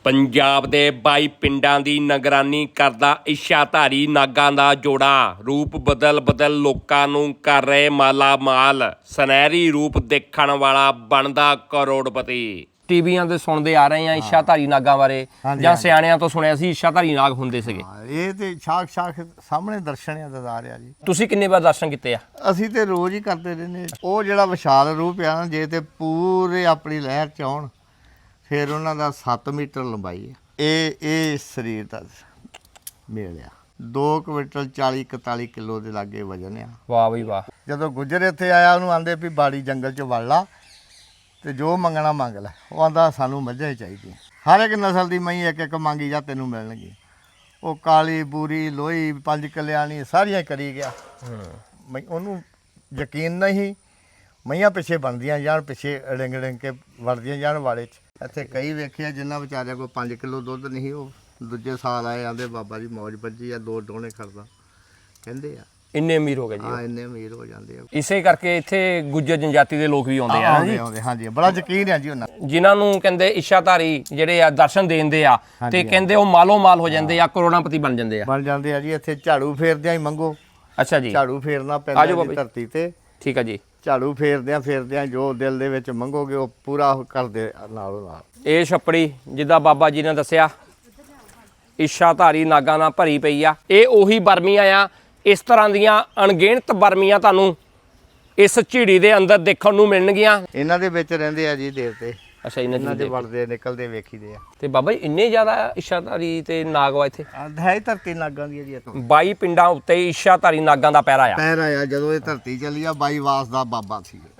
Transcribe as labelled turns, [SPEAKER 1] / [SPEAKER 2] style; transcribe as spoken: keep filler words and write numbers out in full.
[SPEAKER 1] ਪੰਜਾਬ ਦੇ ਬਾਈ ਪਿੰਡਾਂ ਦੀ ਨਿਗਰਾਨੀ ਕਰਦਾ ਇੱਛਾਧਾਰੀ ਨਾਗਾਂ ਦਾ ਜੋੜਾ ਰੂਪ ਬਦਲ ਬਦਲ ਲੋਕਾਂ ਨੂੰ ਕਰ ਰਹੇ ਮਾਲਾ ਮਾਲ। ਸੁਨਹਿਰੀ ਰੂਪ ਦੇਖਣ ਵਾਲਾ ਬਣਦਾ ਕਰੋੜਪਤੀ। ਟੀਵੀਆਂ ਤੇ ਸੁਣਦੇ ਆ ਰਹੇ ਆ ਇੱਛਾਧਾਰੀ ਨਾਗਾਂ ਬਾਰੇ, ਜਾਂ ਸਿਆਣਿਆਂ ਤੋਂ ਸੁਣਿਆ ਸੀ ਇੱਛਾਧਾਰੀ ਨਾਗ ਹੁੰਦੇ ਸੀਗੇ।
[SPEAKER 2] ਇਹ ਤੇ ਸ਼ਾਖ ਸ਼ਾਖ ਸਾਹਮਣੇ ਦਰਸ਼ਨ ਆ ਦਦਾਰ ਆ ਜੀ।
[SPEAKER 1] ਤੁਸੀਂ ਕਿੰਨੇ ਵਾਰ ਦਰਸ਼ਨ ਕੀਤੇ ਆ?
[SPEAKER 2] ਅਸੀਂ ਤੇ ਰੋਜ਼ ਹੀ ਕਰਦੇ ਰਹਿੰਦੇ। ਉਹ ਜਿਹੜਾ ਵਿਸ਼ਾਲ ਰੂਪ ਆ ਨਾ, ਜੇ ਤੇ ਪੂਰੇ ਆਪਣੀ ਲਹਿਰ ਚ ਆਉਣ ਫਿਰ ਉਹਨਾਂ ਦਾ ਸੱਤ ਮੀਟਰ ਲੰਬਾਈ ਹੈ। ਇਹ ਇਹ ਸਰੀਰ ਦਾ ਮੇਲ ਆ। ਦੋ ਕੁਇੰਟਲ ਚਾਲੀ ਇਕਤਾਲੀ ਕਿਲੋ ਦੇ ਲਾਗੇ ਵਜਨ ਆ।
[SPEAKER 1] ਵਾਹ ਬਈ ਵਾਹ।
[SPEAKER 2] ਜਦੋਂ ਗੁੱਜਰ ਇੱਥੇ ਆਇਆ ਉਹਨੂੰ ਆਂਦੇ ਵੀ ਬਾੜੀ ਜੰਗਲ ਚ ਵੜ ਲਾ ਤੇ ਜੋ ਮੰਗਣਾ ਮੰਗ ਲੈ। ਉਹ ਆਂਦਾ ਸਾਨੂੰ ਮੱਝਾਂ ਹੀ ਚਾਹੀਦੀਆਂ। ਹਰ ਇੱਕ ਨਸਲ ਦੀ ਮਹੀਂ ਇੱਕ ਇੱਕ ਮੰਗੀ ਜਾ ਤੈਨੂੰ ਮਿਲਣਗੀ। ਉਹ ਕਾਲੀ ਬੂਰੀ ਲੋਹੀ ਪੰਜ ਕਲਿਆਣੀ ਸਾਰੀਆਂ ਕਰੀ ਗਿਆ। ਮੈਂ ਉਹਨੂੰ ਯਕੀਨ ਨਹੀਂ ਮਈਆਂ ਪਿੱਛੇ ਬਣਦੀਆਂ ਜਾਣ, ਪਿੱਛੇ ਡਿੰਗ ਡਿੰਗ ਕੇ ਵੜਦੀਆਂ ਜਾਣ ਵਾਲੇ 'ਚ। ਇੱਥੇ ਕਈ ਵੇਖਿਆ ਜਿਨ੍ਹਾਂ ਵਿਚਾਰਿਆਂ ਕੋਲ ਪੰਜ ਕਿਲੋ ਦੁੱਧ ਨਹੀਂ, ਉਹ ਦੂਜੇ ਸਾਲ ਆਏ ਆਂਦੇ ਬਾਬਾ ਜੀ ਮੌਜ ਵੱਜੀ ਆ, ਦੋ ਡੋਣੇ ਖੜਦਾ ਕਹਿੰਦੇ ਆ।
[SPEAKER 1] ਇੰਨੇ ਅਮੀਰ ਹੋ ਗਏ ਜੀ।
[SPEAKER 2] ਹਾਂ, ਇੰਨੇ ਅਮੀਰ ਹੋ ਜਾਂਦੇ ਆ।
[SPEAKER 1] ਇਸੇ ਕਰਕੇ ਇੱਥੇ ਗੁੱਜਰ ਜਨਜਾਤੀ ਦੇ ਲੋਕ ਵੀ ਆਉਂਦੇ ਆ ਜੀ।
[SPEAKER 2] ਆਉਂਦੇ ਹਾਂਜੀ, ਬੜਾ ਯਕੀਨ ਆ ਜੀ ਉਹਨਾਂ
[SPEAKER 1] ਜਿਨ੍ਹਾਂ ਨੂੰ ਕਹਿੰਦੇ ਇੱਛਾਧਾਰੀ ਜਿਹੜੇ ਆ ਦਰਸ਼ਨ ਦੇਂਦੇ ਆ ਤੇ ਕਹਿੰਦੇ ਉਹ ਮਾਲੋ ਮਾਲ ਹੋ ਜਾਂਦੇ ਆ, ਕਰੋੜਾਪਤੀ ਬਣ ਜਾਂਦੇ ਆ।
[SPEAKER 2] ਬਣ ਜਾਂਦੇ ਆ ਜੀ। ਇੱਥੇ ਝਾੜੂ ਫੇਰਦਿਆਂ ਹੀ ਮੰਗੋ।
[SPEAKER 1] ਅੱਛਾ ਜੀ।
[SPEAKER 2] ਝਾੜੂ ਫੇਰਨਾ ਪੈਂਦਾ ਜੀ ਧਰਤੀ ਤੇ।
[SPEAKER 1] ਠੀਕ ਆ ਜੀ।
[SPEAKER 2] ਝਾੜੂ ਫੇਰਦਿਆਂ ਫੇਰਦਿਆਂ ਜੋ ਦਿਲ ਦੇ ਵਿੱਚ ਮੰਗੋਗੇ ਉਹ ਪੂਰਾ ਕਰਦੇ ਨਾਲੋਂ ਨਾਲ।
[SPEAKER 1] ਇਹ ਛੱਪੜੀ ਜਿੱਦਾਂ ਬਾਬਾ ਜੀ ਨੇ ਦੱਸਿਆ ਇੱਛਾਧਾਰੀ ਨਾਗਾਂ ਨਾਲ ਭਰੀ ਪਈ ਆ। ਇਹ ਉਹੀ ਬਰਮੀਆਂ ਆ। ਇਸ ਤਰ੍ਹਾਂ ਦੀਆਂ ਅਣਗਿਣਤ ਬਰਮੀਆਂ ਤੁਹਾਨੂੰ ਇਸ ਝੀੜੀ ਦੇ ਅੰਦਰ ਦੇਖਣ ਨੂੰ ਮਿਲਣਗੀਆਂ।
[SPEAKER 2] ਇਹਨਾਂ ਦੇ ਵਿੱਚ ਰਹਿੰਦੇ ਆ ਜੀ ਦੇਵਤੇ।
[SPEAKER 1] ਅੱਛਾ, ਇਹਨਾਂ
[SPEAKER 2] ਦੇ ਵੜਦੇ ਨਿਕਲਦੇ ਵੇਖੀਦੇ ਆ।
[SPEAKER 1] ਤੇ ਬਾਬਾ ਜੀ ਇੰਨੇ ਜ਼ਿਆਦਾ ਇੱਛਾਧਾਰੀ ਤੇ ਨਾਗ ਵਾ ਇੱਥੇ?
[SPEAKER 2] ਹੈ ਧਰਤੀ ਨਾਗਾਂ ਦੀ ਜੀ। ਇੱਥੋਂ
[SPEAKER 1] ਬਾਈ ਪਿੰਡਾਂ ਉੱਤੇ ਇੱਛਾਧਾਰੀ ਨਾਗਾਂ ਦਾ ਪਹਿਰਾ ਆ।
[SPEAKER 2] ਪਹਿਰਾ ਆ। ਜਦੋਂ ਇਹ ਧਰਤੀ ਚੱਲੀ ਆ ਬਾਈ ਵਾਸ ਦਾ ਬਾਬਾ ਸੀ।